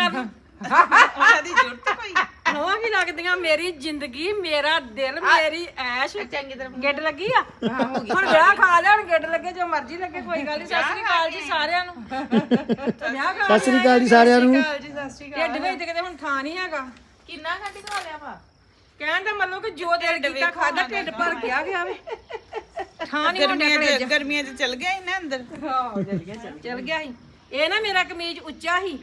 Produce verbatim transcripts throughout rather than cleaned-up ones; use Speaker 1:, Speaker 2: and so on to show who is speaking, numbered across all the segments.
Speaker 1: ਕਰ
Speaker 2: ਉਹਨਾਂ ਦੀ ਜ਼ਰੂਰਤ ਕੋਈ
Speaker 1: ਨਵਾਂ ਵੀ ਲੱਗਦੀਆਂ ਮੇਰੀ ਜ਼ਿੰਦਗੀ ਮੇਰਾ ਦਿਲ ਮੇਰੀ ਐਸ਼
Speaker 2: ਚੰਗੀ ਤਰ੍ਹਾਂ
Speaker 1: ਗਿੱਟ ਲੱਗੀ ਆ ਹੁਣ ਵਿਆਹ ਖਾ ਲਿਆ ਹੁਣ ਗਿੱਟ ਲੱਗੇ ਜੋ ਮਰਜ਼ੀ ਲੱਗੇ ਕੋਈ ਗੱਲ ਨਹੀਂ ਸਤਿ ਸ੍ਰੀ ਅਕਾਲ ਜੀ ਸਾਰਿਆਂ ਨੂੰ ਵਿਆਹ ਖਾ
Speaker 3: ਸਤਿ ਸ੍ਰੀ ਅਕਾਲ ਜੀ ਸਾਰਿਆਂ ਨੂੰ
Speaker 2: ਜੀ ਸਤਿ ਸ਼੍ਰੀ ਅਕਾਲ
Speaker 1: ਢਿੱਡ ਵਿੱਚ ਤੇ ਕਿਤੇ ਹੁਣ ਥਾਂ ਨਹੀਂ ਹੈਗਾ
Speaker 2: ਕਿੰਨਾ ਘੱਟ ਖਾ ਲਿਆ ਵਾ
Speaker 1: ਕਹਿਣ ਦਾ ਮਤਲਬ ਕਿ ਜੋ ਦਿਲ ਕੀਤਾ ਖਾਦਾ ਢਿੱਡ ਭਰ ਗਿਆ ਗਿਆ ਵੇ ਥਾਂ ਨਹੀਂ ਹੁਣ
Speaker 2: ਗਰਮੀਆਂ ਚ ਗਰਮੀਆਂ ਚ ਚਲ ਗਿਆ ਇਹਨਾਂ ਅੰਦਰ
Speaker 1: ਹਾਂ ਚਲ ਗਿਆ ਚਲ ਗਿਆ ਸੀ ਇਹ ਨਾ ਮੇਰਾ ਕਮੀਜ਼ ਉੱਚਾ ਸੀ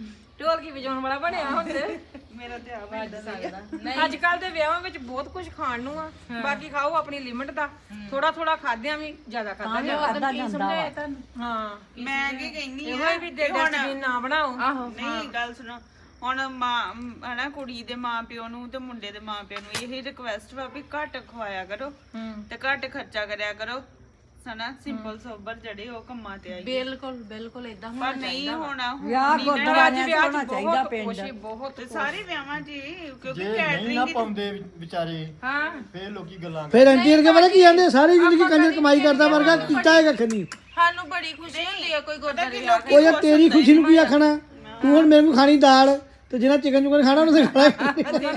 Speaker 1: ਢੋਲਕੀ ਵਜਾਉਣ ਵਾਲਾ ਬਣਿਆ ਹੁਣ ਤੇ
Speaker 2: ਮੇਰਾ ਤੇ ਆਪ ਏਦਾਂ ਲੱਗਦਾ
Speaker 1: ਅੱਜ ਕੱਲ ਦੇ ਵਿਆਹਾਂ ਵਿੱਚ ਬਹੁਤ ਕੁਝ ਖਾਣ ਨੂੰ ਆ ਬਾਕੀ ਖਾਓ ਆਪਣੀ ਲਿਮਟ ਦਾ ਥੋੜਾ ਥੋੜਾ ਖਾਦਿਆਂ ਵੀ ਜ਼ਿਆਦਾ ਖਾਦਾ ਜਾਂਦਾ
Speaker 2: ਕੀ ਸਮਝਾਇਆ ਤੁਹਾਨੂੰ
Speaker 1: ਹਾਂ
Speaker 2: ਮੈਂ ਕੀ ਕਹਿੰਨੀ
Speaker 1: ਇਹੋ
Speaker 2: ਆ
Speaker 1: ਹੀ ਵੀ ਦੇ ਡਸਟਬਿਨ ਨਾ ਬਣਾਓ
Speaker 2: ਆਹੋ ਨਹੀਂ ਗੱਲ ਸੁਣੋ ਹੁਣ ਮਾਂ ਹਨਾ ਕੁੜੀ ਦੇ ਮਾਂ ਪਿਓ ਨੂੰ ਤੇ ਮੁੰਡੇ ਦੇ ਮਾਂ ਪਿਓ ਨੂੰ ਇਹ ਰਿਕਵੈਸਟ ਵਾ ਵੀ ਘੱਟ ਖਵਾਇਆ ਕਰੋ ਤੇ ਘੱਟ ਖਰਚਾ ਕਰਿਆ ਕਰੋ ਸਨਾ ਸਿੰਪਲ ਸੋਬਰ ਜਿਹੜੇ ਉਹ ਕੰਮਾਂ ਤੇ ਆਈ
Speaker 4: ਬਿਲਕੁਲ ਬਿਲਕੁਲ ਇਦਾਂ
Speaker 2: ਪਰ ਨਹੀਂ ਹੋਣਾ
Speaker 1: ਵਿਆਹ ਗੁਰਦੁਆਰਿਆਂ 'ਚ ਹੋਣਾ ਚਾਹੀਦਾ ਪਿੰਡ ਬਹੁਤ
Speaker 2: ਤੇ ਸਾਰੇ ਵਿਆਹਾਂ 'ਚ ਹੀ, ਕਿਉਂਕਿ
Speaker 5: ਨਹੀਂ ਨਾ
Speaker 2: ਕੈਟਰਿੰਗ
Speaker 5: ਪਾਉਂਦੇ ਵਿਚਾਰੇ
Speaker 2: ਹਾਂ
Speaker 5: ਫੇਰ ਲੋਕੀ ਗੱਲਾਂ
Speaker 3: ਫਿਰ ਆਂਟੀ ਅਰਗੇ ਪਤਾ ਕੀ ਕਹਿੰਦੇ ਸਾਰੀ ਜ਼ਿੰਦਗੀ ਕੰਜਰ ਕਮਾਈ ਕਰਦਾ ਵਰਗਾ ਕੀਤਾ ਹੈਗਾ ਖੰਨੀ
Speaker 4: ਸਾਨੂੰ ਬੜੀ ਖੁਸ਼ੀ ਹੁੰਦੀ ਹੈ ਕੋਈ ਗੁਰਦਾਰੇ
Speaker 3: ਉਹ ਯਾਰ ਤੇਰੀ ਖੁਸ਼ੀ ਨੂੰ ਕੀ ਆਖਣਾ ਤੂੰ ਹੁਣ ਮੇਰੇ ਨੂੰ ਖਾਣੀ ਦਾਲ ਤੇ ਜਿਹਨਾਂ ਚਿਕਨ ਚੁਕਨ ਖਾਣਾ ਉਹਨੇ ਖਾਣਾ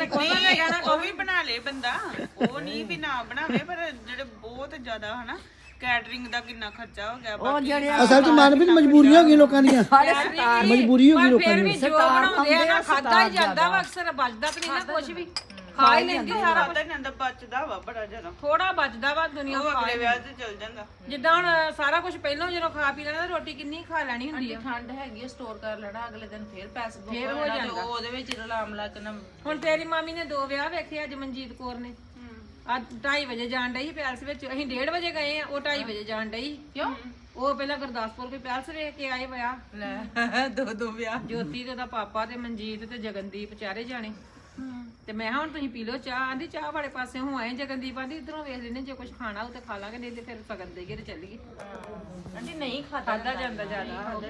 Speaker 2: ਨਹੀਂ ਉਹ ਵੀ ਬਣਾ ਲੇ ਬੰਦਾ ਉਹ ਨਹੀਂ ਵੀ ਨਾ ਬਣਾਵੇ ਪਰ ਜਿਹੜੇ ਬਹੁਤ ਜ਼ਿਆਦਾ ਹਨਾ ਕੈਟਰਿੰਗ ਦਾ ਕਿੰਨਾ ਖਰਚਾ ਹੋ ਗਿਆ ਬਾਕੀ
Speaker 3: ਅਸਲ 'ਚ ਮਨ ਵੀ ਮਜਬੂਰੀਆਂ ਹੋ ਗਈਆਂ ਲੋਕਾਂ ਦੀਆਂ ਮਜਬੂਰੀ ਹੋ ਗਈ ਲੋਕਾਂ
Speaker 1: ਫਿਰ ਵੀ
Speaker 3: ਦੀ
Speaker 1: ਜੋ ਬਣਾਉਂਦੇ ਆ ਨਾ ਖਾਦਾ ਹੀ ਜਾਂਦਾ ਵਾ ਅਕਸਰ ਬਚਦਾ ਤੇ ਨਹੀਂ ਨਾ ਕੁਝ ਵੀ ਖਾ ਹੀ ਲੈਂਦੀ ਸਾਰਾ
Speaker 2: ਪਤਾ ਨਹੀਂ ਹੁੰਦਾ ਬਚਦਾ ਵਾ ਬੜਾ ਜ਼ਿਆਦਾ
Speaker 1: ਥੋੜਾ ਬਚਦਾ ਵਾ ਦੁਨੀਆ
Speaker 2: ਉਹ
Speaker 1: ਖਾ
Speaker 2: ਅਗਲੇ ਵਿਆਹ 'ਚ ਚਲ ਜਾਂਦਾ
Speaker 1: ਜਿੱਦਾਂ ਹੁਣ ਸਾਰਾ ਕੁਝ ਪਹਿਲਾਂ ਜਦੋਂ ਖਾ ਪੀ ਲੈਣਾ ਰੋਟੀ ਕਿੰਨੀ ਖਾ ਲੈਣੀ ਹੁੰਦੀ ਆ
Speaker 4: ਠੰਡ ਹੈਗੀ ਸਟੋਰ ਕਰ ਲੈਣਾ ਅਗਲੇ ਦਿਨ ਫੇਰ ਪੈਸੇ ਬੁੱਕ
Speaker 1: ਫੇਰ ਹੋ
Speaker 4: ਹੋਣਾ ਤੇ
Speaker 1: ਜਾਂਦਾ।
Speaker 4: ਉਹ ਉਹਦੇ ਵਿੱਚ ਰਲਾਮ ਲਾ ਕੇ ਨਾ
Speaker 1: ਹੁਣ ਤੇਰੀ ਮਾਮੀ ਨੇ ਦੋ ਵਿਆਹ ਵੇਖੇ ਅੱਜ ਮਨਜੀਤ ਕੌਰ ਨੇ ਅੱਜ ਢਾਈ ਵਜੇ ਜਾਣ ਡਈ ਸੀ ਪੈਲਸ ਵਿੱਚ ਅਸੀਂ ਡੇਢ ਵਜੇ ਗਏ ਆ ਉਹ ਢਾਈ ਵਜੇ ਜਾਣ ਡਈ
Speaker 4: ਕਿਉਂ
Speaker 1: ਉਹ ਪਹਿਲਾਂ ਗੁਰਦਾਸਪੁਰ ਕੋਈ ਪੈਲਸ ਵੇਖ ਕੇ ਆਏ ਵਿਆਹ
Speaker 4: ਲੈ ਦੋ ਦੋ ਵਿਆਹ
Speaker 1: ਜੋਤੀ ਤੇ ਉਹਦਾ ਪਾਪਾ ਤੇ ਮਨਜੀਤ ਤੇ ਜਗਨਦੀਪ ਚਾਰੇ ਜਾਣੇ ਤੇ ਮੈਂ ਕਿਹਾ ਹੁਣ ਤੁਸੀਂ ਪੀ ਲਓ ਚਾਹ ਆਂਦੀ ਚਾਹ ਵਾਲੇ ਪਾਸੇ ਹੋ ਆਏ ਜਗਨਦੀਪ ਆਂਦੀ ਇਧਰੋਂ ਵੇਖ ਲੈਨੇ ਜੇ ਕੁਝ ਖਾਣਾ ਉਹ ਤੇ ਖਾ ਲਾਂਗੇ ਨਹੀਂ ਤੇ ਫਿਰ ਸਗਨ ਦੇਈਏ ਤੇ ਚੱਲੀਏ
Speaker 4: ਆਂਟੀ ਨਹੀਂ ਖਾਦਾ
Speaker 1: ਖਾਦਾ ਜਾਂਦਾ ਜ਼ਿਆਦਾ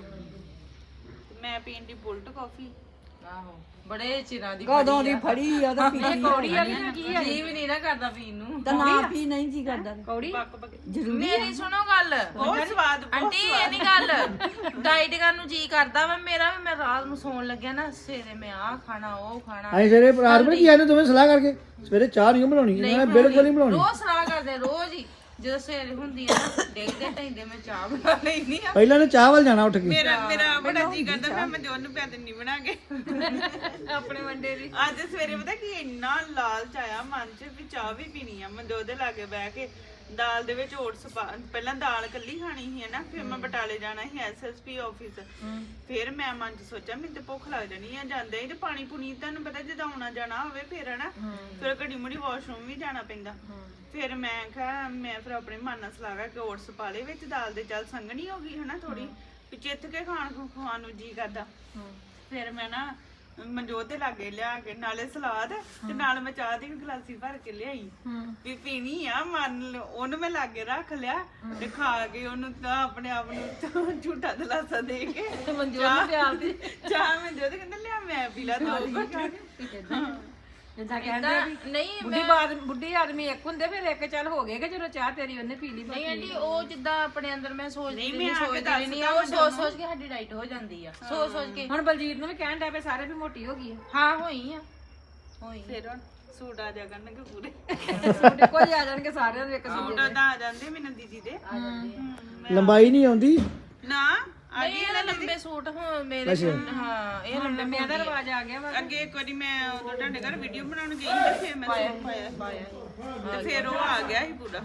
Speaker 2: ਮੈਂ ਪੀਣ ਦੀ ਬੁਲਟ ਕਾਫੀ
Speaker 4: ਆਹੋ ਬੜੇ ਚਿਰਾਂ ਦੀ
Speaker 6: ਕਦੋਂ ਦੀ ਫੜੀ ਆ ਤਾਂ ਪੀਤੀ
Speaker 1: ਕੌੜੀ ਵਾਲੀ ਨਾ ਕੀ ਆ
Speaker 4: ਜੀ ਵੀ ਨਹੀਂ ਨਾ ਕਰਦਾ ਪੀਣ ਨੂੰ
Speaker 6: ਤਾਂ ਨਾ ਪੀ ਨਹੀਂ ਜੀ ਕਰਦਾ
Speaker 1: ਕੌੜੀ
Speaker 4: ਮੇਰੀ ਸੁਣੋ ਗੱਲ
Speaker 2: ਬਹੁਤ ਸਵਾਦ
Speaker 4: ਆਂਟੀ ਇਹ ਨਹੀਂ ਗੱਲ ਡਾਈਟ ਕਰਨ ਨੂੰ ਜੀ ਕਰਦਾ ਵਾ ਮੇਰਾ ਵੀ ਮੈਂ ਰਾਤ ਨੂੰ ਸੌਣ ਲੱਗਿਆ ਨਾ ਸਵੇਰੇ ਮੈਂ ਆਹ ਖਾਣਾ ਉਹ ਖਾਣਾ
Speaker 3: ਅਸੀਂ ਸਵੇਰੇ ਰਾਤ ਨੂੰ ਕੀ ਆਨੇ ਦੋਵੇਂ ਸਲਾਹ ਕਰਕੇ ਸਵੇਰੇ ਚਾਹ ਨਹੀਂ ਬਣਾਉਣੀ ਮੈਂ ਬਿਲਕੁਲ ਨਹੀਂ ਬਣਾਉਣੀ
Speaker 4: ਰੋਜ਼ ਸਲਾਹ ਕਰਦੇ ਰੋਜ਼ ਹੀ ਜਦੋਂ ਸਵੇਰੇ ਹੁੰਦੀ ਆ ਨਾ ਡੇਗਦੇ ਢੈਂਦੇ ਮੈਂ ਚਾਹ ਬਣਾ ਲੈਣੀ ਆ
Speaker 3: ਪਹਿਲਾਂ ਨੇ ਚਾਹ ਵੱਲ ਜਾਣਾ ਉੱਠ ਕੇ
Speaker 2: ਮੇਰਾ ਮੇਰਾ ਬੜਾ ਜੀ ਕਰਦਾ ਮੈਂ ਮਨਜੋਤ ਨੂੰ ਪਿਆ ਦਿੰਨੀ ਬਣਾ ਕੇ
Speaker 1: ਆਪਣੇ ਵੰਡੇ ਦੀ
Speaker 2: ਅੱਜ ਸਵੇਰੇ ਪਤਾ ਕੀ ਇੰਨਾ ਲਾਲਚ ਆਇਆ ਮਨ 'ਚ ਵੀ ਚਾਹ ਵੀ ਪੀਣੀ ਆ ਮਨਜੋਤ ਦੇ ਲਾਗੇ ਬਹਿ ਕੇ ਦਾਲ ਦੇ ਵਿੱਚ ਓਟਸ ਪਹਿਲਾਂ ਦਾਲ ਕੱਲੀ ਖਾਣੀ ਸੀ ਹਨਾ ਫਿਰ ਮੈਂ ਬਟਾਲੇ ਜਾਣਾ ਸੀ ਐਸਐਸਪੀ ਆਫਿਸ ਫਿਰ ਮੈਂ ਮਨ 'ਚ ਸੋਚਿਆ ਮੈਨੂੰ ਤੇ ਭੁੱਖ ਲੱਗ ਜਾਣੀ ਆ ਜਾਂਦੇ ਹੀ ਤੇ ਪਾਣੀ ਪੁਣੀ ਤੁਹਾਨੂੰ ਪਤਾ ਜਦੋਂ ਆਉਣਾ ਜਾਣਾ ਹੋਵੇ ਫਿਰ ਹਨਾ ਫਿਰ ਘੜੀ ਮੁੜੀ ਵਾਸ਼ਰੂਮ ਵੀ ਜਾਣਾ ਪੈਂਦਾ ਫਿਰ ਮੈਂ ਕਿਹਾ ਮੈਂ ਫਿਰ ਆਪਣੇ ਮਨ ਨਾਲ ਸਲਾਹ ਕਰਕੇ ਓਟਸ ਪਾ ਲਏ ਵਿੱਚ ਦਾਲ ਦੇ ਚੱਲ ਸੰਘਣੀ ਹੋ ਗਈ ਹਨਾ ਥੋੜੀ ਵੀ ਚਿੱਥ ਕੇ ਖਾਣ ਖਾਣ ਨੂੰ ਜੀ ਕਰਦਾ ਫਿਰ ਮੈਂ ਨਾ ਮਨਜੋਤ ਦੇ ਲਾਗੇ ਲਿਆ ਕੇ ਨਾਲੇ ਸਲਾਦ ਤੇ ਨਾਲ ਮੈਂ ਚਾਹ ਦੀ ਗਲਾਸੀ ਭਰ ਕੇ ਲਿਆਈ ਵੀ ਪੀਣੀ ਆ ਮੰਨ ਉਹਨੂੰ ਮੈਂ ਲਾਗੇ ਰੱਖ ਲਿਆ ਤੇ ਖਾ ਕੇ ਉਹਨੂੰ ਤਾਂ ਆਪਣੇ ਆਪ ਨੂੰ ਝੂਠਾ ਦਲਾਸਾ ਦੇ ਕੇ
Speaker 1: ਮਨਜੋਤ ਨੂੰ ਪਿਆਰ ਦੀ
Speaker 2: ਚਾਹ ਮਨਜੋਤ ਕਹਿੰਦਾ ਲਿਆ ਮੈਂ ਪੀ ਲਾ ਦੋ ਘੁੱਟ
Speaker 1: ਜਿੱਦਾਂ ਕਹਿੰਦੇ ਵੀ
Speaker 4: ਨਹੀਂ
Speaker 1: ਬੁੱਢੀ ਬਾਦ ਬੁੱਢੀ ਆਦਮੀ ਇੱਕ ਹੁੰਦੇ ਫਿਰ ਇੱਕ ਚੱਲ ਹੋ ਗਏ ਕਿ ਜਦੋਂ ਚਾਹ ਤੇਰੀ ਉਹਨੇ ਪੀ ਲਈ
Speaker 4: ਨਹੀਂ ਆਂਟੀ ਉਹ ਜਿੱਦਾਂ ਆਪਣੇ ਅੰਦਰ ਮੈਂ ਸੋਚਦੀ
Speaker 2: ਨਹੀਂ,
Speaker 4: ਨਹੀਂ
Speaker 2: ਮੈਂ ਆ ਕੇ
Speaker 4: ਸੋਚਦੀ ਨਹੀਂ ਆ ਉਹ ਸੋਚ ਸੋਚ ਕੇ ਸਾਡੀ ਡਾਈਟ ਹੋ ਜਾਂਦੀ ਆ ਸੋਚ ਸੋਚ ਕੇ
Speaker 1: ਹੁਣ ਬਲਜੀਤ ਨੂੰ ਵੀ ਕਹਿਣ ਡਿਆ ਪਏ ਸਾਰੇ ਵੀ ਮੋਟੀ ਹੋ ਗਈ ਹੈ
Speaker 4: ਹਾਂ ਹੋਈ ਆ ਹੋਈ
Speaker 2: ਫਿਰ ਹੁਣ ਸੂਟ ਆ ਜਾ ਕਰਨਗੇ ਪੂਰੇ
Speaker 1: ਤੁਹਾਡੇ ਕੋਲ ਆ ਜਾਣਗੇ ਸਾਰਿਆਂ ਦੇ ਇੱਕ ਦੂਜੇ
Speaker 2: ਸੂਟ ਤਾਂ ਆ ਜਾਂਦੇ ਮੈਨੂੰ ਦੀਦੀ ਦੇ
Speaker 3: ਲੰਬਾਈ ਨਹੀਂ ਆਉਂਦੀ
Speaker 2: ਨਾ
Speaker 4: ਨਹੀਂ ਇਹ ਲੰਬੇ ਸੂਟ ਹਾਂ ਮੇਰੇ ਹਾਂ ਇਹ ਲੰਬੇ
Speaker 1: ਮੈਂ ਦਾ ਰਿਵਾਜ ਆ ਗਿਆ ਵਾ
Speaker 2: ਅੱਗੇ ਇੱਕ ਵਾਰੀ ਮੈਂ ਉਦੋਂ ਤੁਹਾਡੇ ਘਰ ਵੀਡੀਓ ਬਣਾਉਣ ਗਈ ਸੀ ਫਿਰ ਮੈਂ ਸੂਟ ਪਾਇਆ ਤੇ ਫਿਰ ਉਹ ਆ ਗਿਆ ਸੀ ਪੂਰਾ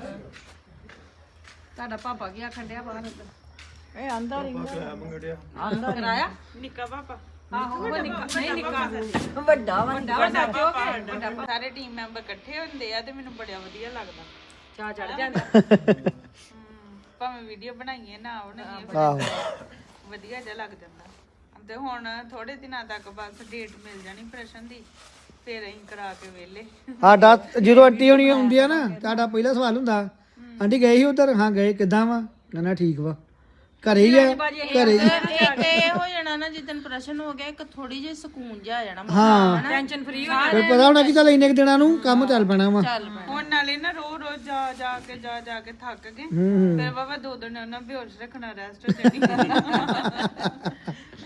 Speaker 1: ਤੁਹਾਡਾ ਪਾਪਾ ਕੀ ਆਖਣ ਡਿਆ ਬਾਹਰ ਅੰਦਰ
Speaker 6: ਇਹ ਆਂਦਾ ਰਹਿੰਦਾ
Speaker 5: ਮੰਗੜਿਆ
Speaker 1: ਕਰਾਇਆ
Speaker 2: ਨਿੱਕਾ ਪਾਪਾ
Speaker 1: ਆਹੋ ਉਹ ਨਿੱਕਾ ਨਹੀਂ ਨਿੱਕਾ
Speaker 6: ਵੱਡਾ ਵਾ
Speaker 1: ਵੱਡਾ ਵੱਡਾ ਪਿਓ ਕੇ ਵੱਡਾ
Speaker 2: ਸਾਰੇ ਟੀਮ ਮੈਂਬਰ ਇਕੱਠੇ ਹੁੰਦੇ ਆ ਤੇ ਮੈਨੂੰ ਬੜਾ ਵਧੀਆ ਲੱਗਦਾ
Speaker 1: ਚਾਹ ਚੜ ਜਾਂਦਾ
Speaker 2: ਭਾਵੇਂ ਵੀਡੀਓ ਬਣਾਈਏ ਨਾ ਬਣਾਈਏ
Speaker 3: ਆਹੋ
Speaker 2: ਵਧੀਆ ਜਿਹਾ ਲੱਗ ਜਾਂਦਾ ਤੇ ਹੁਣ ਥੋੜੇ ਦਿਨਾਂ ਤੱਕ ਬਸ ਡੇਟ ਮਿਲ ਜਾਣੀ ਪ੍ਰਸ਼ਨ ਦੀ ਫਿਰ ਅਸੀਂ ਕਰਾ ਕੇ ਵੇਲੇ
Speaker 3: ਸਾਡਾ ਜਦੋਂ ਆਂਟੀ ਹੋਣੀ ਹੁੰਦੀ ਆ ਨਾ ਤੁਹਾਡਾ ਪਹਿਲਾ ਸਵਾਲ ਹੁੰਦਾ ਆਂਟੀ ਗਏ ਸੀ ਉਧਰ ਹਾਂ ਗਏ ਕਿੱਦਾਂ ਵਾ ਨਾ ਨਾ ਠੀਕ ਵਾ ਘਰੇ ਹੀ ਆ ਘਰੇ ਹੀ
Speaker 4: ਇੱਕ ਇਹ ਹੋ ਜਾਣਾ ਨਾ ਜਿੱਦਨ ਪ੍ਰਸ਼ਨ ਹੋ ਗਿਆ ਇੱਕ ਥੋੜੀ ਜਿਹੀ ਸਕੂਨ ਜਿਹਾ ਆ ਜਾਣਾ ਮਨ
Speaker 3: ਹਾਂ
Speaker 1: ਟੈਨਸ਼ਨ ਫ੍ਰੀ ਹੋ
Speaker 3: ਫਿਰ ਪਤਾ ਹੋਣਾ ਕਿ ਚੱਲ ਇੰਨੇ ਕੁ ਦਿਨਾਂ ਨੂੰ ਕੰਮ ਚੱਲ ਪੈਣਾ ਵਾ
Speaker 4: ਚੱਲ ਪੈਣਾ
Speaker 2: ਹੁਣ ਨਾਲੇ ਨਾ ਰੋ ਰੋ ਜਾ ਜਾ ਕੇ ਜਾ ਜਾ ਕੇ ਥੱਕ ਗਏ
Speaker 3: ਹੂੰ
Speaker 2: ਫਿਰ ਬਾਬਾ ਦੋ ਦਿਨ ਉਹਨਾਂ ਬੇਹੋਸ਼ ਰੱਖਣਾ ਰੈਸਟ ਹੋ ਜਾਣੀ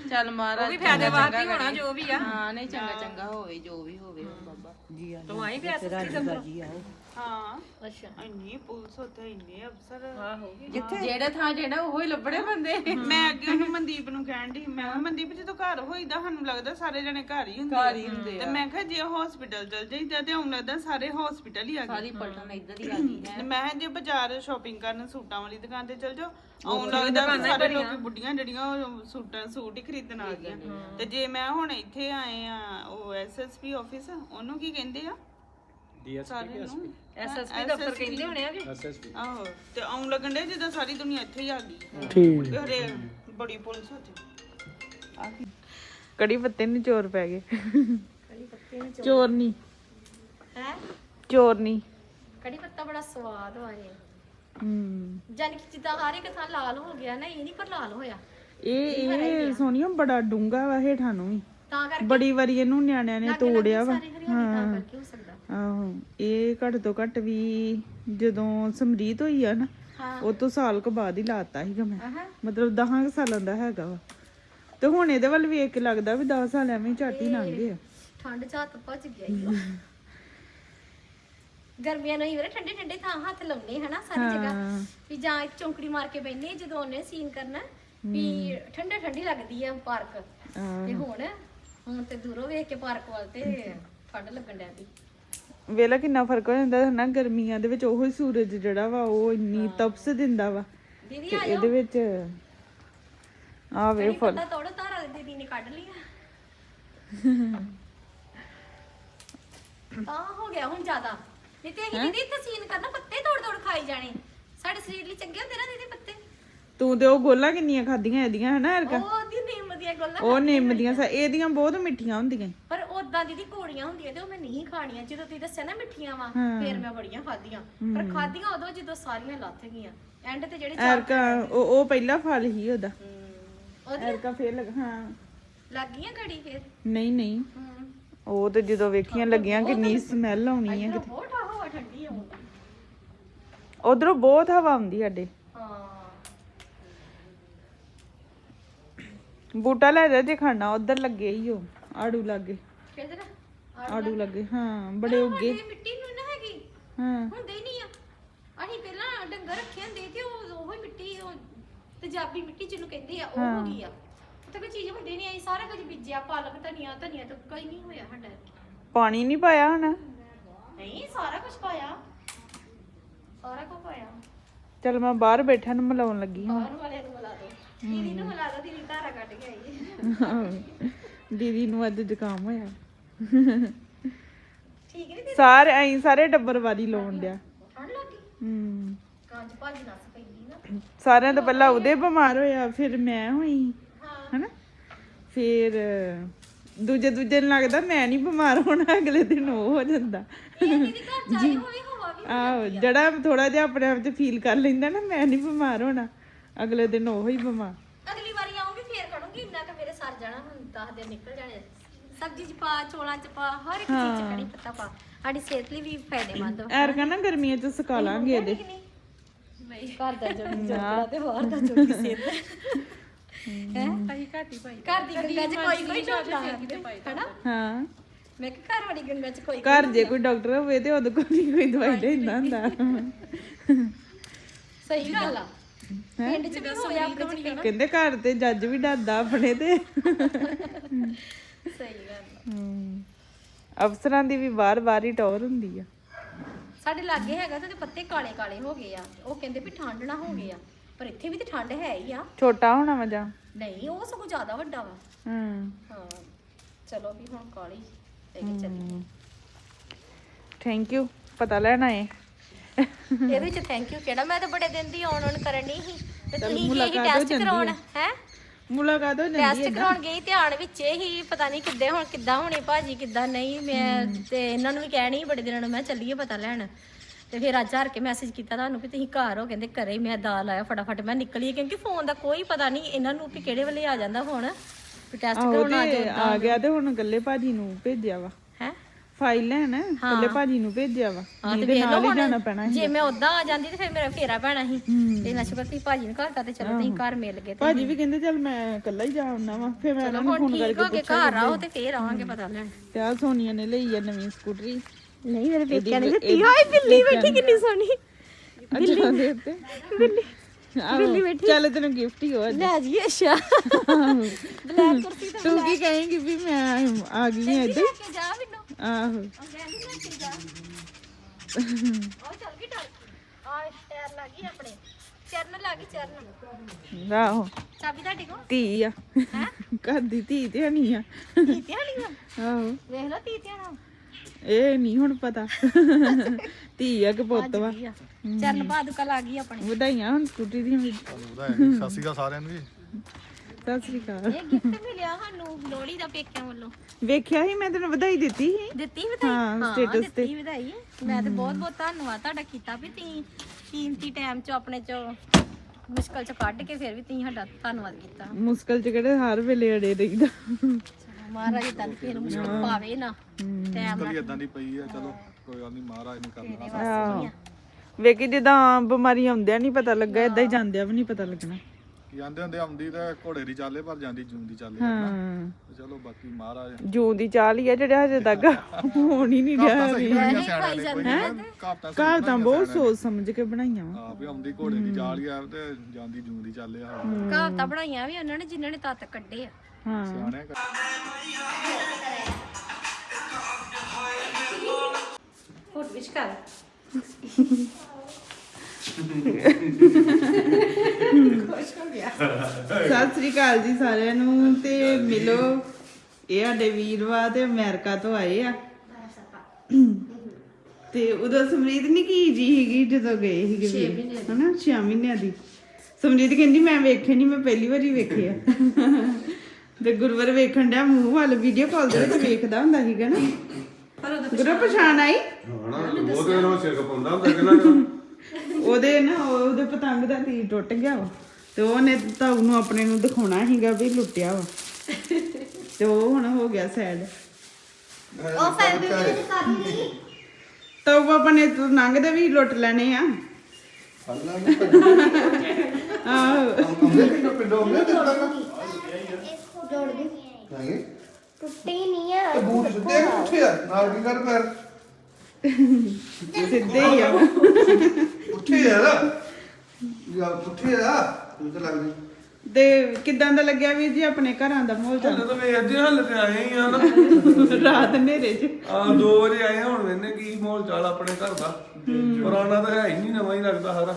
Speaker 4: ਚੱਲ ਮਹਾਰਾਜ
Speaker 1: ਉਹ ਵੀ ਫਾਇਦੇ ਵਾਸਤੇ ਹੀ ਹੋਣਾ ਜੋ ਵੀ ਆ
Speaker 4: ਹਾਂ ਨਹੀਂ ਚੰਗਾ ਚੰਗਾ ਹੋਵੇ ਜੋ ਵੀ ਹੋਵੇ ਹੁਣ ਬਾਬਾ
Speaker 6: ਜੀ ਆ
Speaker 1: ਤੂੰ ਆਈ ਪਿਆ
Speaker 6: ਰਾਜੀ ਬਾਜੀ ਆਓ
Speaker 2: ਹਾਂ
Speaker 1: ਅੱਛਾ
Speaker 2: ਇੰਨੀ ਪੁਲਿਸ ਉੱਥੇ ਇੰਨੇ ਅਫਸਰ
Speaker 1: ਆਹੋ
Speaker 4: ਜਿਹੜੇ ਥਾਂ ਜਿਹੜਾ ਉਹ ਹੀ ਲੱਭਣੇ ਬੰਦੇ
Speaker 2: ਮੈਂ ਅੱਗੇ ਉਹਨੂੰ ਮਨਦੀਪ ਨੂੰ ਕਹਿਣ ਦੀ ਮੈਂ ਕਿਹਾ, ਮਨਦੀਪ ਜਦੋਂ ਘਰ ਹੋਈਦਾ ਸਾਨੂੰ ਲੱਗਦਾ ਸਾਰੇ ਜਣੇ ਘਰ ਹੀ ਹੁੰਦੇ ਘਰ ਹੀ ਹੁੰਦੇ ਤੇ ਮੈਂ ਕਿਹਾ ਜੇ ਹਸਪੀਟਲ ਚਲ ਜਾਈਦਾ ਤੇ ਹੁਣ ਲੱਗਦਾ ਸਾਰੇ ਹਸਪੀਟਲ ਹੀ ਆ ਗਏ
Speaker 4: ਸਾਰੀ ਪਲਟਨ ਇੱਧਰ ਹੀ ਆ ਗਈ ਹੈ
Speaker 2: ਤੇ ਮੈਂ ਕਿਹਾ ਜੇ ਬਾਜ਼ਾਰ ਸ਼ਾਪਿੰਗ ਕਰਨ ਸੂਟਾਂ ਵਾਲੀ ਦੁਕਾਨ ਤੇ ਚਲ ਜਾਓ ਆਉਣ ਲੱਗਦਾ ਵੀ ਸਾਰੇ ਲੋਕੀ ਬੁੱਢੀਆਂ ਜਿਹੜੀਆਂ ਉਹ ਸੂਟਾਂ ਸੂਟ ਹੀ ਖਰੀਦਣ ਆ ਗਈਆਂ ਤੇ ਜੇ ਮੈਂ ਹੁਣ ਇੱਥੇ ਆਏ ਆ ਉਹ ਐਸਐਸਪੀ ਆਫਿਸ ਉਹਨੂੰ ਕੀ ਕਹਿੰਦੇ ਆ ਸਾਰੇ ਨੂੰ
Speaker 1: ਐਸਐਸਪੀ ਦਫ਼ਤਰ ਕਹਿੰਦੇ ਹੋਣੇ ਆ ਕਿ
Speaker 2: ਆਹੋ ਤੇ ਆਉਣ ਲੱਗਣ ਦੇ ਜਿੱਦਾਂ ਸਾਰੀ ਦੁਨੀਆ ਇੱਥੇ ਹੀ ਆ ਗਈ
Speaker 3: ਠੀਕ
Speaker 2: ਤੇ ਹਰੇ ਬੜੀ ਪੁਲਿਸ ਉੱਥੇ ਕੜੀ ਪੱਤੇ ਨੂੰ ਚੋਰ ਪੈ ਗਏ
Speaker 7: ਕੜੀ ਪੱਤੇ ਨੂੰ
Speaker 2: ਚੋਰ ਨਹੀਂ
Speaker 7: ਹੈ
Speaker 2: ਚੋਰ ਨਹੀਂ
Speaker 7: ਕੜੀ ਪੱਤਾ ਬੜਾ ਸਵਾਦ ਵਾਰੇ
Speaker 2: ਹੂੰ
Speaker 7: ਜਾਨ ਕਿ ਜਿੱਦਾਂ ਹਰ ਇੱਕ ਥਾਂ ਲਾਲ ਹੋ ਗਿਆ ਨਾ ਇਹ ਨਹੀਂ ਪਰ ਲਾਲ ਹੋਇਆ
Speaker 2: ਇਹ ਇਹ ਸੋਨੀਆ ਬੜਾ ਡੂੰਗਾ ਵਾ ਹੇਠਾਂ ਨੂੰ ਵੀ
Speaker 7: ਤਾਂ ਕਰਕੇ
Speaker 2: ਬੜੀ ਵਾਰੀ ਇਹਨੂੰ ਨਿਆਣਿਆਂ ਨੇ ਤੋੜਿਆ ਵਾ
Speaker 7: ਸਾਰੀ ਹਰਿਆਲੀ ਤਾਂ ਕਰਕੇ ਹੋ ਸਕਦਾ
Speaker 2: ਆਹੋ ਇਹ ਘੱਟ ਤੋਂ ਘੱਟ ਵੀ ਜਦੋਂ ਸਮਰੀਤ ਹੋਈ ਆ ਨਾ ਉਹ ਤੋਂ ਸਾਲ ਕੁ ਬਾਅਦ ਹੀ ਲਾਤਾ ਸੀਗਾ ਮੈਂ ਮਤਲਬ ਦਸਾਂ ਕੁ ਸਾਲਾਂ ਦਾ ਹੈਗਾ ਵਾ ਤੇ ਹੁਣ ਇਹਦੇ ਵੱਲ ਵੇਖ ਕੇ ਲੱਗਦਾ ਵੀ ਦਸ ਸਾਲ ਐਵੇਂ ਝੱਟ ਹੀ ਲੰਘ ਗਏ ਆ
Speaker 7: ਠੰਡ ਚ ਹੱਥ ਭੱਜ ਗਿਆ ਈ ਉਹ। ਗਰਮੀਆਂ ਨੂੰ ਹੀ ਵੀਰੇ ਠੰਡੇ ਠੰਡੇ ਥਾਂ ਹੱਥ ਲਾਉਣੇ ਹਨਾ ਸਾਰੀ ਜਗ੍ਹਾ ਵੀ ਜਾਂ ਇੱਕ ਚੌਂਕੜੀ ਮਾਰ ਕੇ ਬੈਠਨੇ ਜਦੋਂ ਉਹਨੇ ਸੀਨ ਕਰਨਾ ਵੀ ਠੰਡਾ ਠੰਡੀ ਲੱਗਦੀ ਆ ਪਾਰਕ ਤੇ ਹੁਣ ਹੁਣ ਤੇ ਦੂਰੋਂ ਵੇਖ ਕੇ ਪਾਰਕ ਵੱਲ ਤੇ ਠੰਡ ਲੱਗਣ ਡਿਆ ਪਈ
Speaker 2: ਵੇਲਾ ਕਿੰਨਾ ਫਰਕ ਹੋ ਜਾਂਦਾ ਹੈ ਨਾ ਗਰਮੀਆਂ ਦੇ ਵਿੱਚ ਉਹ ਹੀ ਸੂਰਜ ਜਿਹੜਾ ਵਾ ਉਹ ਇੰਨੀ ਤਪਸ ਦਿੰਦਾ ਵਾ
Speaker 7: ਦੀਦੀ
Speaker 2: ਤੇ ਇਹਦੇ ਵਿੱਚ ਆ ਵੇ ਫਲ
Speaker 7: ਪਤਾ ਤੋੜੋ ਤਾਰਾ ਦੀਦੀ ਨੇ ਕੱਢ ਲਿਆ ਤਾਂ ਹੋ ਗਿਆ ਹੁਣ ਜ਼ਿਆਦਾ ਨਹੀਂ ਤੇ ਅਸੀਂ ਦੀਦੀ ਇੱਥੇ ਸੀਨ ਕਰਨਾ ਪੱਤੇ ਤੋੜ ਤੋੜ ਖਾਈ ਜਾਣੇ ਸਾਡੇ ਸਰੀਰ ਲਈ ਚੰਗੇ ਹੁੰਦੇ ਨਾ ਦੀਦੀ ਪੱਤੇ
Speaker 2: ਤੂੰ ਤੇ ਉਹ ਗੋਲਾਂ ਕਿੰਨੀਆਂ ਖਾਧੀਆਂ ਇਹਦੀਆਂ ਹਨਾ ਐਰਕਾ
Speaker 7: ਉਹ ਦੀ ਨਿੰਮ ਦੀਆਂ ਗੱਲਾਂ
Speaker 2: ਉਹ ਨਿੰਮ ਦੀਆਂ ਸਾ ਇਹਦੀਆਂ ਬਹੁਤ ਮਿੱਠੀਆਂ ਹੁੰਦੀਆਂ
Speaker 7: ਪਰ ਉਦਾਂ ਦੀਦੀ ਕੋੜੀਆਂ ਹੁੰਦੀਆਂ ਤੇ ਉਹ ਮੈਂ ਨਹੀਂ ਖਾਣੀਆਂ ਜਦੋਂ ਤੁਸੀਂ ਦੱਸਿਆ ਨਾ ਮਿੱਠੀਆਂ ਵਾ ਫੇਰ ਮੈਂ ਬੜੀਆਂ ਖਾਧੀਆਂ ਪਰ ਖਾਧੀਆਂ ਉਦੋਂ ਜਦੋਂ ਸਾਰੀਆਂ ਲੱਥ ਗਈਆਂ ਐਂਡ ਤੇ ਜਿਹੜੇ ਚਾਰ
Speaker 2: ਐਰਕਾ ਉਹ ਉਹ ਪਹਿਲਾ ਫਲ ਹੀ ਉਹਦਾ
Speaker 7: ਉਹਦੀ
Speaker 2: ਐਰਕਾ ਫੇਰ ਲੱਗ ਹਾਂ
Speaker 7: ਲੱਗ ਗਈਆਂ ਘੜੀ ਫੇਰ
Speaker 2: ਨਹੀਂ ਨਹੀਂ
Speaker 7: ਹੂੰ
Speaker 2: ਉਹ ਤੇ ਜਦੋਂ ਵੇਖੀਆਂ ਲੱਗੀਆਂ ਕਿੰਨੀ ਸਮੈਲ ਆਉਣੀ ਹੈ
Speaker 7: ਇੱਧਰੋਂ ਬਹੁਤ ਹਵਾ ਠੰਡੀ ਆਉਂਦੀ
Speaker 2: ਉਧਰੋਂ ਬਹੁਤ ਹਵਾ ਆਉਂਦੀ ਸਾਡੇ
Speaker 7: ਹਾਂ
Speaker 2: ਬੂਟਾ ਲੈ ਜਾ ਜੇ ਖਾਣਾ ਉਧਰ ਲੱਗੇ ਹੀ ਉਹ ਆੜੂ ਲੱਗੇ
Speaker 7: ਕਿਧਰ
Speaker 2: ਆੜੂ ਲੱਗੇ ਹਾਂ ਬੜੇ ਉੱਗੇ
Speaker 7: ਇਹ ਮਿੱਟੀ ਨੂੰ ਨਾ ਹੈਗੀ
Speaker 2: ਹਾਂ
Speaker 7: ਹੁੰਦੇ ਹੀ ਨਹੀਂ ਆ ਅਸੀਂ ਪਹਿਲਾਂ ਡੰਗਰ ਰੱਖੇ ਹੁੰਦੇ ਤੇ ਉਹ ਉਹ ਹੀ ਮਿੱਟੀ ਉਹ ਤੇਜ਼ਾਬੀ ਮਿੱਟੀ ਜਿਹਨੂੰ ਕਹਿੰਦੇ ਆ ਉਹ ਹੋ ਗਈ ਆ ਉੱਥੇ ਕੋਈ ਚੀਜ਼ ਹੁੰਦੀ ਨਹੀਂ ਆਈ ਸਾਰਾ ਕੁਝ ਬੀਜਿਆ ਪਾਲਕ ਧਨੀਆ ਧਨੀਆ ਤਾਂ ਕੋਈ ਨਹੀਂ ਹੋਇਆ ਸਾਡਾ
Speaker 2: ਪਾਣੀ ਨਹੀਂ ਪਾਇਆ ਹਨਾ
Speaker 7: ਨਹੀਂ ਸਾਰਾ ਕੁਝ ਪਾਇਆ ਸਾਰਾ ਕੁਝ ਪਾਇਆ
Speaker 2: ਚਲ ਮੈਂ ਬਾਹਰ ਬੈਠਾ ਨੂੰ ਮਿਲਾਉਣ ਲੱਗੀ ਹਾਂ
Speaker 7: ਬਾਹਰ ਵਾਲਿਆਂ ਨੂੰ ਮਿਲਾ ਦੋ ਦੀਦੀ ਨੂੰ ਮਿਲਾ ਦੋ ਦੀਦੀ ਧਾਰਾ ਕੱਢ ਕੇ ਆਈ ਹੈ
Speaker 2: ਦੀਦੀ ਨੂੰ ਅੱਜ ਜ਼ੁਕਾਮ ਹੋਇਆ
Speaker 7: ਠੀਕ ਨਹੀਂ
Speaker 2: ਸਾਰੇ ਐਂ ਸਾਰੇ ਟੱਬਰ ਵਾਰੀ ਲਾਉਣ ਡਿਆ
Speaker 7: ਠੰਡ ਲੱਗੀ
Speaker 2: ਹੂੰ
Speaker 7: ਕੰਜ ਭੱਜ ਨਸ ਪੈਂਦੀ ਨਾ
Speaker 2: ਸਾਰਿਆਂ ਤੋਂ ਪਹਿਲਾਂ ਉਹਦੇ ਬਿਮਾਰ ਹੋਇਆ ਫਿਰ ਮੈਂ ਹੋਈ ਹਨਾ ਫਿਰ ਦੂਜੇ ਦੂਜੇ ਨੂੰ ਲੱਗਦਾ ਮੈਂ ਨਹੀਂ ਬਿਮਾਰ ਹੋਣਾ ਅਗਲੇ ਦਿਨ ਉਹ ਹੋ ਜਾਂਦਾ
Speaker 7: ਇਹ ਦੀਦੀ ਘਰ ਜਾਈ ਹੋਵੇ ਹਵਾ ਵੀ
Speaker 2: ਆਹੋ ਜਿਹੜਾ ਥੋੜਾ ਜਿਹਾ ਆਪਣੇ ਆਪ 'ਚ ਫੀਲ ਕਰ ਲੈਂਦਾ ਨਾ ਮੈਂ ਨਹੀਂ ਬਿਮਾਰ ਹੋਣਾ ਅਗਲੇ ਦਿਨ ਉਹ ਹੀ ਬਿਮਾਰ
Speaker 7: ਅਗਲੀ ਵਾਰੀ ਆਉਂਗੀ ਫੇਰ ਕਰੂੰਗੀ ਇੰਨਾ ਕਿ ਮੇਰੇ ਸਰ ਜਾਣਾ ਹੁਣ ਦਸ ਦਿਨ ਨਿਕਲ ਜਾਣੇ ਸਬਜ਼ੀ ਚ ਪਾ ਚੋਲਾਂ ਚ ਪਾ ਹਰ ਇੱਕ ਚੀਜ਼ ਚ ਕੜੀ ਪੱਤਾ ਪਾ ਸਾਡੀ ਸਿਹਤ ਲਈ ਵੀ ਫਾਇਦੇਮੰਦ ਵਾ
Speaker 2: ਐਰ ਕਹਿੰਦਾ ਗਰਮੀਆਂ 'ਚ ਸੁਕਾ ਲਾਂਗੇ ਇਹਦੇ
Speaker 7: ਘਰ ਦਾ ਜੋਗੀ ਜੋੜਾ ਤੇ ਬਾਹਰ ਦਾ ਜੋਗੀ ਸਿਹਤ ਹੈ
Speaker 1: ਅਸੀਂ ਘੱਟ ਹੀ ਪਾਈ
Speaker 7: ਘਰ ਦੀ ਗੰਗਾ ਚ ਕੋਈ ਕੋਈ ਡਾਕਟਰ ਹੈਨਾ
Speaker 2: ਹਾਂ
Speaker 7: ਮੈਂ ਕਿ ਘਰ ਵਾਲੀ ਗੰਗਾ ਚ ਕੋਈ
Speaker 2: ਘਰ ਜੇ ਕੋਈ ਡਾਕਟਰ ਹੋਵੇ ਤੇ ਉਹਦੇ ਕੋਲ ਨਹੀਂ ਕੋਈ ਦਵਾਈ ਲੈਂਦਾ ਹੁੰਦਾ
Speaker 7: ਸਹੀ ਗੱਲ ਆ ਪਿੰਡ ਚ ਵੀ ਹੋਇਆ ਆਪਣੇ ਚ ਕਹਿਣਾ
Speaker 2: ਕਹਿੰਦੇ ਘਰ ਤੇ ਜੱਜ ਵੀ ਡਰਦਾ ਆਪਣੇ ਤੇ
Speaker 7: ਸਹੀ ਗੱਲ ਆ।
Speaker 2: ਹਮ, ਅਫਸਰਾਂ ਦੀ ਵੀ ਬਾਰ-ਬਾਰ ਹੀ ਟੌਰ ਹੁੰਦੀ ਆ
Speaker 7: ਸਾਡੇ ਲਾਗੇ ਹੈਗਾ ਤੇ ਪੱਤੇ ਕਾਲੇ ਕਾਲੇ ਹੋ ਗਏ ਆ ਉਹ ਕਹਿੰਦੇ ਵੀ ਠੰਡ ਨਾ ਹੋ ਗਏ ਆ ਪਰ ਇੱਥੇ ਵੀ ਤੇ ਠੰਡ ਹੈ ਹੀ ਆ
Speaker 2: ਛੋਟਾ ਹੋਣਾ ਵਾ ਜਾਂ
Speaker 7: ਨਹੀਂ ਉਹ ਸਗੋਂ ਜ਼ਿਆਦਾ ਵੱਡਾ ਵਾ
Speaker 2: ਹਮ
Speaker 7: ਹਾਂ ਚਲੋ ਵੀ ਹੁਣ ਕਾਲੀ ਲੈ ਕੇ ਚੱਲੀ
Speaker 2: ਥੈਂਕ ਯੂ ਪਤਾ ਲੈਣਾ ਏ
Speaker 7: ਇਹਦੇ ਵਿੱਚ ਥੈਂਕ ਯੂ ਕਿਹੜਾ ਮੈਂ ਤਾਂ ਬੜੇ ਦਿਨ ਦੀ ਆਨ ਆਨ ਕਰਨ ਨਹੀਂ ਸੀ ਤੇ ਤੁਸੀਂ ਕੀ ਟੈਸਟ ਕਰਾਉਣ ਹੈ
Speaker 2: ਮੁਲਾਕਾਤ ਹੋ ਜਾਂਦੀ
Speaker 7: ਟੈਸਟ ਕਰਾਉਣ ਗਈ ਧਿਆਨ ਵਿੱਚ ਹੀ ਪਤਾ ਨਹੀਂ ਕਿੱਦੇ ਹੁਣ ਕਿੱਦਾਂ ਹੋਣੇ ਭਾਜੀ ਕਿੱਦਾਂ ਨਹੀਂ ਮੈਂ ਤੇ ਇਹਨਾਂ ਨੂੰ ਵੀ ਕਹਿਣੀ ਬੜੇ ਦਿਨਾਂ ਨੂੰ ਮੈਂ ਚੱਲੀਏ ਪਤਾ ਲੈਣ ਤੇ ਫਿਰ ਅੱਜ ਹਰ ਕੇ ਮੈਸੇਜ ਕੀਤਾ ਤੁਹਾਨੂੰ ਵੀ ਤੁਸੀਂ ਘਰ ਹੋ ਕਹਿੰਦੇ ਘਰੇ ਹੀ ਮੈਂ ਦਾਲ ਆਇਆ ਫਟਾਫਟ ਮੈਂ ਨਿਕਲੀ ਕਿਉਂਕਿ ਫੋਨ ਦਾ ਕੋਈ ਪਤਾ ਨਹੀਂ ਇਹਨਾਂ ਨੂੰ ਕਿ ਕਿਹੜੇ ਵੇਲੇ ਆ ਜਾਂਦਾ ਫੋਨ ਵੀ ਟੈਸਟ
Speaker 2: ਆਹੋ
Speaker 7: ਕਰਾਉਣਾ
Speaker 2: ਤੇ ਆ ਗਿਆ ਤੇ ਹੁਣ ਗੱਲੇ ਭਾਜੀ ਨੂੰ ਭੇਜਿਆ ਵਾ
Speaker 7: ਹੈ
Speaker 2: ਫਾਈਲ ਲੈਣ ਪਹਿਲੇ ਭਾਜੀ ਨੂੰ ਭੇਜਿਆ ਵਾ
Speaker 7: ਹਾਂ ਤੇ
Speaker 2: ਇਹਦੇ
Speaker 7: ਵੇਖ ਲਓ
Speaker 2: ਨਾਲ ਹੀ
Speaker 7: ਹੁਣ
Speaker 2: ਜਾਣਾ ਪੈਣਾ ਸੀ।
Speaker 7: ਜੇ ਮੈਂ ਉਦਾਂ ਆ ਜਾਂਦੀ ਤੇ ਫਿਰ ਮੇਰਾ ਫੇਰਾ ਪੈਣਾ ਸੀ ਤੇ ਨਾ ਸ਼ੁਕਰ ਤੁਸੀਂ ਭਾਜੀ ਨੂੰ ਘਰ ਤਾਂ ਤੇ ਚਲੋ ਤੁਸੀਂ ਘਰ ਮਿਲ ਗਏ ਤੇ
Speaker 2: ਭਾਜੀ ਵੀ ਕਹਿੰਦੇ ਚੱਲ ਮੈਂ ਇਕੱਲਾ ਹੀ ਜਾ ਆਉਣਾ ਵਾ ਫਿਰ ਮੈਂ ਉਹਨਾਂ ਨੂੰ
Speaker 7: ਹੁਣ
Speaker 2: ਫੋਨ
Speaker 7: ਠੀਕ
Speaker 2: ਕਰਕੇ
Speaker 7: ਹੋ ਕੇ ਘਰ ਆਓ ਤੇ ਫੇਰ ਆਵਾਂਗੇ ਪਤਾ ਲੈਣ
Speaker 2: ਤੇ ਆ ਸੋਨੀਆ ਨੇ ਲਈ ਆ ਨਵੀਂ ਸਕੂਟਰੀ
Speaker 7: ਨਹੀਂ ਮੇਰੇ ਪੇਕਿਆਂ ਨੇ ਦਿੱਤੀ ਹਾਏ ਬਿੱਲੀ ਬੈਠੀ ਕਿੰਨੀ ਸੋਹਣੀ
Speaker 2: ਅੱਛਾ ਦੇ ਉੱਤੇ
Speaker 7: ਬਿੱਲੀ ਬਿੱਲੀ ਬੈਠੀ
Speaker 2: ਚੱਲ ਤੈਨੂੰ ਗਿਫਟ ਹੀ ਹੋ ਅੱਜ
Speaker 7: ਲੈ ਜੀ ਅੱਛਾ ਬਲੈਕ ਕੁਰਸੀ ਤੇ
Speaker 2: ਤੂੰ ਕੀ ਕਹੇਂਗੀ ਵੀ ਮੈਂ ਆ ਗਈ ਹਾਂ ਇੱਧਰ
Speaker 7: ਲੈ ਕੇ ਜਾ ਮੈਨੂੰ
Speaker 2: ਆਹੋ
Speaker 7: ਉਹ ਕਹਿੰਦੀ ਲੈ ਕੇ ਜਾ ਉਹ ਚੱਲ ਗਈ ਡਰ ਆ ਟਾਇਰ ਲੱਗ ਗਈ ਆਪਣੇ ਚਰਨ ਲੱਗ ਗਈ ਚਰਨ
Speaker 2: ਆਹੋ
Speaker 7: ਚਾਬੀ ਤੁਹਾਡੀ ਕੋਲ
Speaker 2: ਧੀ ਆ ਘਰ ਦੀ ਧੀ ਤੇ ਨਹੀਂ ਆ
Speaker 7: ਤੀਤਿਆਂ ਨਹੀਂ
Speaker 2: ਆਹੋ
Speaker 7: ਵੇਖ ਲਓ ਤੀਤਿਆਂ ਨਾਲ
Speaker 2: ਇਹ ਨਹੀਂ ਹੁਣ ਪਤਾ ਧੀ ਆ ਕਿ ਪੁੱਤ ਵਾ
Speaker 7: ਚਰਨ ਪਾਦੁਕਾ ਲੱਗ ਗਈ ਆਪਣੀ
Speaker 2: ਵਧਾਈਆਂ ਹੁਣ ਸਕੂਟਰੀ ਦੀਆਂ ਵੀ
Speaker 5: ਉਹਦਾ ਸਤਿ ਸ਼੍ਰੀ ਅਕਾਲ ਸਾਰਿਆਂ ਨੂੰ ਜੀ
Speaker 2: ਸਤਿ ਸ੍ਰੀ ਅਕਾਲ
Speaker 7: ਇਹ ਗਿਫਟ ਮਿਲਿਆ ਸਾਨੂੰ ਲੋਹੜੀ ਦਾ ਪੇਕਿਆਂ ਵੱਲੋਂ
Speaker 2: ਵੇਖਿਆ ਸੀ ਮੈਂ ਤੈਨੂੰ ਵਧਾਈ ਦਿੱਤੀ ਸੀ
Speaker 7: ਦਿੱਤੀ ਵਧਾਈ
Speaker 2: ਹਾਂ, status ਤੇ।
Speaker 7: ਦਿੱਤੀ ਵਧਾਈ ਮੈਂ ਤੇ ਬਹੁਤ ਬਹੁਤ ਧੰਨਵਾਦ ਤੁਹਾਡਾ ਕੀਤਾ ਵੀ ਤੀ ਕੀਮਤੀ ਟਾਈਮ ਚ ਆਪਣੇ ਚ ਮੁਸ਼ਕਲ ਚ ਕੱਢ ਕੇ ਫਿਰ ਵੀ ਤੀ ਸਾਡਾ ਧੰਨਵਾਦ ਕੀਤਾ
Speaker 2: ਮੁਸ਼ਕਲ ਚ ਕਿਹੜੇ ਹਰ ਵੇਲੇ ਅੜੇ ਰਹੀਦਾ
Speaker 7: ਮਹਾਰਾਜ ਜੀ ਤਾਂ ਫਿਰ ਮੁਸ਼ਕਲ ਪਾਵੇ ਨਾ ਟਾਈਮ
Speaker 5: ਕਲੀ ਇਦਾਂ ਦੀ ਪਈ ਆ ਚਲੋ ਕੋਈ ਗੱਲ ਨਹੀਂ ਮਹਾਰਾਜ ਨੇ ਕਰਨਾ
Speaker 2: ਆਹੋ ਵੇਖੀ ਜਿੱਦਾਂ ਬਿਮਾਰੀ ਆਉਂਦਿਆਂ ਨਹੀਂ ਪਤਾ ਲੱਗਾ ਇਦਾਂ ਹੀ ਜਾਂਦਿਆਂ ਵੀ ਨਹੀਂ ਪਤਾ ਲੱਗਣਾ
Speaker 5: ਜਾਂਦੇ ਹੁੰਦੇ ਆਉਂਦੀ ਤਾਂ ਘੋੜੇ ਦੀ ਚਾਲੇ ਪਰ ਜਾਂਦੀ ਜੂਨ ਦੀ ਚਾਲੇ
Speaker 2: ਹਾਂ
Speaker 5: ਚਲੋ ਬਾਕੀ ਮਹਾਰਾਜ
Speaker 2: ਜੂਨ ਦੀ ਚਾਲ ਹੀ ਆ ਜਿਹੜਾ ਹਜੇ ਤੱਕ ਹੋਣ ਹੀ ਨਹੀਂ ਰਿਹਾ
Speaker 5: ਸਹੀ ਬਣੀਆਂ ਸਿਆਣਿਆਂ ਨੇ ਕੋਈ ਨਹੀਂ ਕਾਪਤਾ
Speaker 2: ਘਰ ਤਾਂ ਬਹੁਤ ਸੋਚ ਸਮਝ ਕੇ ਬਣਾਈਆਂ ਵਾ
Speaker 5: ਆ ਵੀ ਆਉਂਦੀ ਘੋੜੇ ਦੀ ਚਾਲ ਹੀ ਆ ਤੇ ਜਾਂਦੀ ਜੂਨ ਦੀ ਚਾਲੇ ਆ
Speaker 7: ਕਹਾਵਤਾਂ ਬਣਾਈਆਂ ਵੀ ਉਹਨਾਂ ਨੇ ਜਿਨ੍ਹਾਂ ਨੇ ਤੱਤ ਕੱਢੇ ਆ
Speaker 2: ਹਾਂ
Speaker 5: ਸਿਆਣੇ
Speaker 7: ਫੋਟ ਵਿੱਚ ਕਰ
Speaker 2: ਸਤਿ ਸ੍ਰੀ ਅਕਾਲ ਜੀ ਸਾਰਿਆਂ ਨੂੰ ਤੇ ਮਿਲੋ ਇਹ ਸਾਡੇ ਵੀਰ ਵਾ ਤੇ ਅਮਰੀਕਾ ਤੋਂ ਆਏ ਆ ਤੇ ਉਦੋਂ ਸਮਰੀਤ ਨਹੀਂ ਕੀ ਜੀ ਸੀਗੀ ਜਦੋਂ ਗਏ ਸੀਗੇ ਵੀਰ ਹਨਾ ਛੇ ਮਹੀਨਿਆਂ ਦੀ ਸਮਰੀਤ ਕਹਿੰਦੀ ਮੈਂ ਵੇਖੇ ਨਹੀਂ ਮੈਂ ਪਹਿਲੀ ਵਾਰੀ ਵੇਖੇ ਆ ਤੇ ਗੁਰਵਰ ਵੇਖਣ ਡਿਆ ਮੂੰਹ ਵੱਲ ਵੀਡੀਓ ਕਾਲ ਦੇ ਵਿੱਚ ਵੇਖਦਾ ਹੁੰਦਾ ਸੀਗਾ ਨਾ ਗੁਰੂ ਪਛਾਣ ਆਈ ਉਹਦੇ ਨਾ ਉਹਦੇ ਪਤੰਗ ਦਾ ਤੀਰ ਟੁੱਟ ਗਿਆ ਵਾ ਤੇ ਉਹਨੇ ਤਾਂ ਉਹਨੂੰ ਆਪਣੇ ਨੂੰ ਦਿਖਾਉਣਾ ਸੀਗਾ ਵੀ ਲੁੱਟਿਆ ਵਾ ਤੇ ਉਹ ਹੁਣ ਹੋ ਗਿਆ ਸੈਡ
Speaker 7: ਉਹ ਫਾਈਲ ਵੀ ਮੇਰੇ ਸਾਥੀ ਨਹੀਂ
Speaker 2: ਤਾਂ ਉਹ ਆਪਣੇ ਤੋਂ ਲੰਘਦੇ ਵੀ ਲੁੱਟ ਲੈਣੇ ਆ ਆਹੋ
Speaker 7: ਜੋੜ ਦੇ ਟੁੱਟੇ ਨਹੀਂ ਆ
Speaker 2: ਸਿੱਧੇ ਹੀ ਆ ਤੇ ਕਿਦਾਂ ਦਾ ਲੱਗਿਆ ਵੀਰ ਜੀ ਆਪਣੇ ਘਰਾਂ ਦਾ ਮਾਹੌਲ ਚੱਲ
Speaker 8: ਤਾਂ ਵੇਖਦੇ ਹੱਲ ਤੇ ਆਏ ਹੀ ਆ ਨਾ
Speaker 2: ਰਾਤ ਹਨੇਰੇ ਚ
Speaker 8: ਆ ਦੋ ਵਜੇ ਆਏ ਹੁਣ ਵੇਨੇ ਕੀ ਮਾਹੌਲ ਚਾਲ ਆਪਣੇ ਘਰ ਦਾ ਪੁਰਾਣਾ ਤਾਂ ਹੈ ਹੀ ਨਹੀਂ ਨਵਾਂ ਹੀ ਲੱਗਦਾ ਸਾਰਾ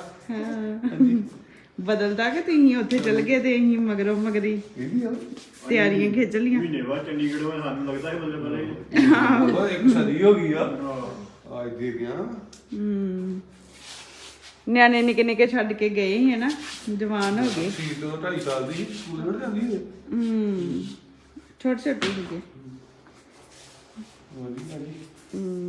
Speaker 2: ਬਦਲਦਾ ਕਿ ਤੁਸੀਂ ਉੱਥੇ ਚਲ ਗਏ ਤੇ ਅਸੀਂ ਮਗਰੋਂ ਮਗਰੀ ਤਿਆਰੀਆਂ ਖਿੱਚ ਲੀਆਂ
Speaker 5: ਮਹੀਨੇ ਬਾਅਦ ਚੰਡੀਗੜ੍ਹ ਵਿੱਚ ਸਾਨੂੰ ਲੱਗਦਾ ਹੈ ਬੱਲੇ ਬੱਲੇ
Speaker 8: ਉਹ ਇੱਕ ਸਦੀ ਹੋ ਗਈ ਆ ਅੱਜ ਦੇ ਗਿਆ
Speaker 2: ਹਮ ਨਿਆਣੇ ਨਿੱਕੇ ਨਿੱਕੇ ਛੱਡ ਕੇ ਗਏ ਸੀ ਨਾ ਜਵਾਨ ਹੋ ਗਏ
Speaker 8: ਸੀ ਤੋਂ ਢਾਈ ਸਾਲ ਦੀ ਸਕੂਲ ਵੜ ਜਾਂਦੀ ਹੈ
Speaker 2: ਹਮ ਛੋਟੇ ਛੋਟੇ ਸੀਗੇ
Speaker 8: ਵਧੀਆ ਜੀ
Speaker 2: ਹਮ